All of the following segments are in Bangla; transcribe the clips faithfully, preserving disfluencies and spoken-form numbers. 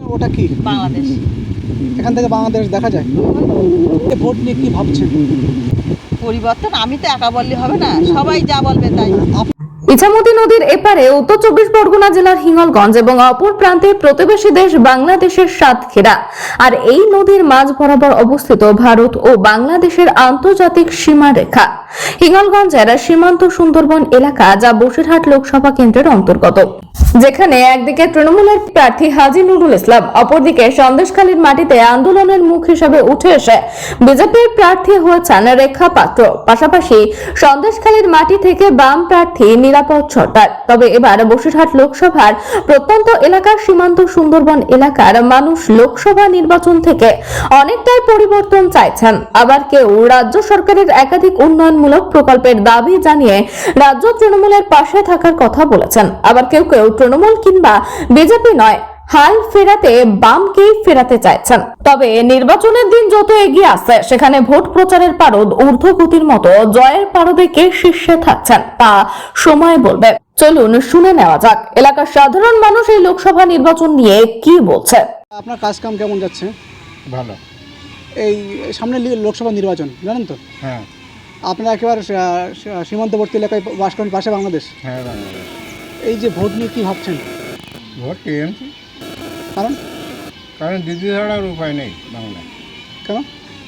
ওটা কি? বাংলাদেশ। এখান থেকে বাংলাদেশ দেখা যায়। এই ভোট নিয়ে কি ভাবছেন? পরিবর্তন আমি তো একা বললে হবে না, সবাই যা বলবে তাই। ইছামতি নদীর এপারে উত্তর চব্বিশ পরগনা জেলার হিঙ্গলগঞ্জ এবং অপর প্রান্তে প্রতিবেশী দেশ বাংলাদেশের সাতক্ষীরা, আর এই নদীর মাঝ বরাবর অবস্থিত ভারত ও বাংলাদেশের আন্তর্জাতিক সীমারেখা হিঙ্গলগঞ্জের সীমান্ত সুন্দরবন এলাকা, যা বসিরহাট লোকসভা কেন্দ্রের অন্তর্গত। যেখানে একদিকে তৃণমূলের প্রার্থী হাজী নুরুল ইসলাম, অপরদিকে সন্দেশখালীর মাটিতে আন্দোলনের মুখ হিসেবে উঠে এসে বিজেপির প্রার্থী হয়েছেন রেখা পাত্র। পাশাপাশি সন্দেশখালীর মাটি থেকে বাম প্রার্থী নিরাপদ সরকার। তবে এবার বসিরহাট লোকসভার প্রত্যন্ত এলাকার সীমান্ত সুন্দরবন এলাকার মানুষ লোকসভা নির্বাচন থেকে অনেকটাই পরিবর্তন চাইছেন। আবার কেউ রাজ্য সরকারের একাধিক উন্নয়নমূলক প্রকল্পের দাবি জানিয়ে রাজ্য তৃণমূলের পাশে থাকার কথা বলেছেন। আবার কেউ কেউ তৃণমূল কিংবা বিজেপি নয়, হাল ফেরাতে বামকেই ফেরাতে চাইছেন। তবে নির্বাচনের দিন যত এগিয়ে আসছে, সেখানে ভোট প্রচারের পারদ ঊর্ধ্বগতির মতো জয়ের পারদে কে শীর্ষে থাকছেন তা সময় বলবে। চলুন শুনে নেওয়া যাক এলাকার সাধারণ মানুষ এই লোকসভা নির্বাচন নিয়ে কি বলছে। আপনার কাজ কাম কেমন যাচ্ছে? ভালো। এই সামনে লি- লোকসভা নির্বাচন জানেন তো? হ্যাঁ আপনারা একেবারে সা- সা- সীমান্তবর্তী এলাকায় বাস করেন, পাশে বাংলাদেশ। হ্যাঁ বাংলাদেশ। এই যে ভোট নিয়ে কি ভাবছেন? ভোট টিএমসি, কারণ কারণ দিদি ছাড়ার উপায় নেই বাংলায়, কেন?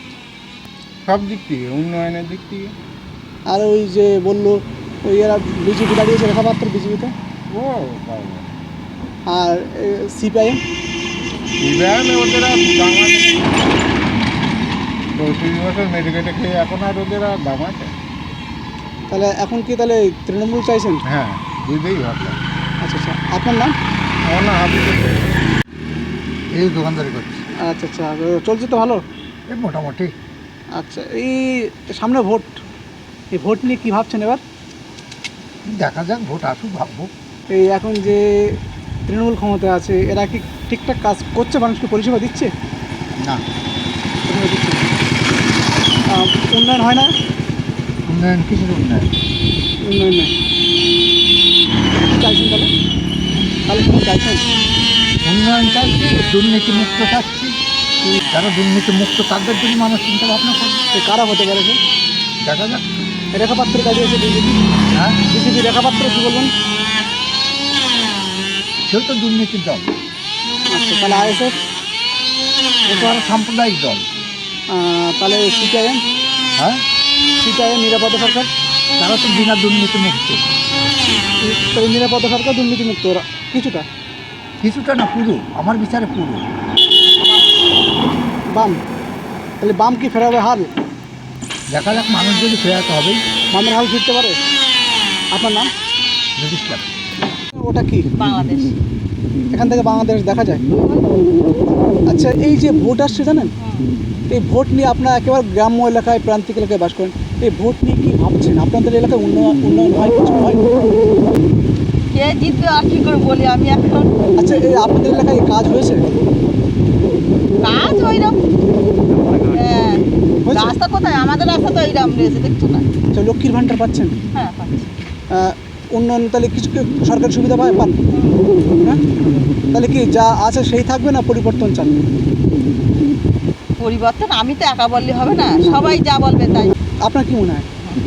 সব দিক থেকে, উন্নয়নের দিক থেকে। আর ওই যে বললো ওই এরা বিজেপি দাঁড়িয়েছে, রেখা পাত্র বিজেপিতে, ও বাবা, আর সিপিআইএম ইভ্যান ওদের আর দাম আছে, পঁয়ত্রিশ বছর মেডিকেটে খেয়ে এখন আর ওদের আর দাম আছে। তাহলে এখন কি তাহলে তৃণমূল চাইছেন? হ্যাঁ বুঝতেই ভাবলাম। আচ্ছা আচ্ছা, আপনার নাম? আমার না হাবি এই দোকানদারি করছি। আচ্ছা আচ্ছা, চলছে তো ভালো? এই মোটামুটি। আচ্ছা, এই সামনে ভোট, এই ভোট নিয়ে কী ভাবছেন এবার? দেখা যাক, ভোট আসুক, ভাববো। এই এখন যে তৃণমূল ক্ষমতায় আছে, এরা কি ঠিকঠাক কাজ করছে? মানুষকে পরিষেবা দিচ্ছে? না, পরিষেবা দিচ্ছে না। আহ, উন্নয়ন হয় না? উন্নয়ন কিসের উন্নয়ন? উন্নয়ন নয়। কি চাইছেন তাহলে? তাহলে কোনো চাইছেন? উন্নয়ন চাইছি, দুর্নীতি মুক্ত চাচ্ছি। যারা দুর্নীতি মুক্ত তাদের জন্য মানুষ চিন্তা ভাবনা করবে। এ কারা হতে পারে? সে দেখা যাক। রেখা পাত্রের কাজে এসে বিজেপি, হ্যাঁ, বিজেপি রেখা পাত্র কী বলবেন? সেও তো দুর্নীতির দল। আচ্ছা, তাহলে আইএসএফ, ও তো আরো সাম্প্রদায়িক দল। তাহলে সিপিআইএম, হ্যাঁ, সিপিআইএম নিরাপদ সরকার, তারা তো বিনা দুর্নীতি মুক্ত। তো নিরাপদ সরকার দুর্নীতিমুক্ত ওরা কিছুটা। কিছুটা না, পুরো, আমার বিচারে পুরো। বাম, তাহলে বাম কি ফেরাবে হাল? দেখা যাক, মানুষ যদি ফেরাতে হবেই। বামের হাল ফিরতে পারে? আপনার নাম? রেজিস্টার। ওটা কি? বাংলাদেশ। এখান থেকে বাংলাদেশ দেখা যায়। আচ্ছা, এই যে ভোট আসছে জানেন, এই ভোট নিয়ে আপনার একেবারে গ্রাম্য এলাকায়, প্রান্তিক এলাকায় বাস করেন, এই ভোট নিয়ে কি ভাবছেন? আপনাদের এলাকায় উন্নয়ন উন্নয়ন হয়, কিছু হয়? কে জিতবে আর কি করে বলি আমি এখন। আচ্ছা, এই আপনাদের এলাকায় কাজ হয়েছে? কাজ ওইরকম, হ্যাঁ, হয়েছে? রাস্তা কোথায়? আমাদের রাস্তা তো এইরকম রয়েছে, দেখছো না? আচ্ছা, লক্ষ্মীর ভাণ্ডার পাচ্ছেন? হ্যাঁ পাচ্ছি। আহ, উন্নয়ন তাহলে কিছু কি সরকারি সুবিধা পায় পান? হ্যাঁ, তাহলে কি যা আছে সেই থাকবে না পরিবর্তন চান? পরিবর্তন আমি তো একা বললে হবে না, সবাই যা বলবে তাই। আপনার কি মনে হয়?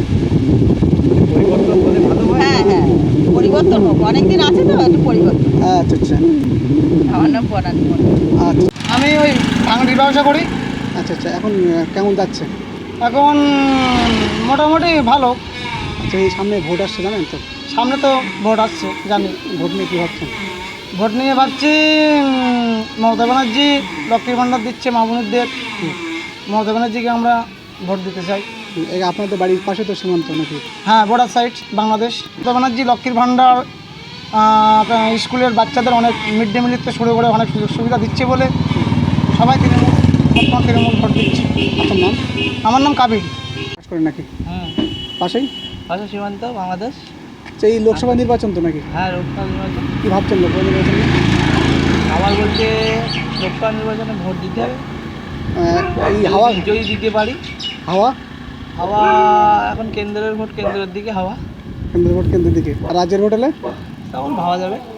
হ্যাঁ হ্যাঁ, পরিবর্তন হোক, অনেকদিন আছে তো, একটু পরিবর্তন। আচ্ছা আচ্ছা আমার নাম বনানী মন্ডল। আচ্ছা আমি ওই ভাঙড়ির ব্যবসা করি। আচ্ছা আচ্ছা, এখন আহ, কেমন যাচ্ছে? এখন মোটামুটি ভালো। আচ্ছা, এই সামনে ভোট আসছে জানেন তো, সামনে তো ভোট আসছে, জানি। ভোট নিয়ে কী ভাবছেন? ভোট নিয়ে ভাবছি উম, মমতা ব্যানার্জি লক্ষ্মীর ভাণ্ডার দিচ্ছে মা বোনেদের। মমতা ব্যানার্জিকে আমরা ভোট দিতে চাই। এই আপনাদের বাড়ির পাশে তো সীমান্ত নাকি? হ্যাঁ, বর্ডার সাইড বাংলাদেশ। মমতা ব্যানার্জি লক্ষ্মীর ভাণ্ডার, আহ, আপনার স্কুলের বাচ্চাদের অনেক মিড ডে মিল থেকে শুরু করে অনেক সুযোগ সুবিধা দিচ্ছে বলে সবাই তৃণমূল, বর্তমান তৃণমূল ভোট দিচ্ছে। আপনার নাম? আমার নাম কাবির। কাজ করেন নাকি হুম, পাশেই? পাশে সীমান্ত বাংলাদেশ। আচ্ছা, এই লোকসভা নির্বাচন তো নাকি? হ্যাঁ, লোকসভা নির্বাচন। কী ভাবছেন লোকসভা নির্বাচন নিয়ে? আমার বলতে লোকসভা নির্বাচনে ভোট দিতে হবে। আহ, এই হাওয়া, যদি দিতে পারি। হাওয়া হাওয়া এখন কেন্দ্রের ভোট, কেন্দ্রের দিকে হাওয়া। কেন্দ্রের ভোট কেন্দ্রের দিকে, আর রাজ্যের ভোট হলে তখন ভাবা যাবে।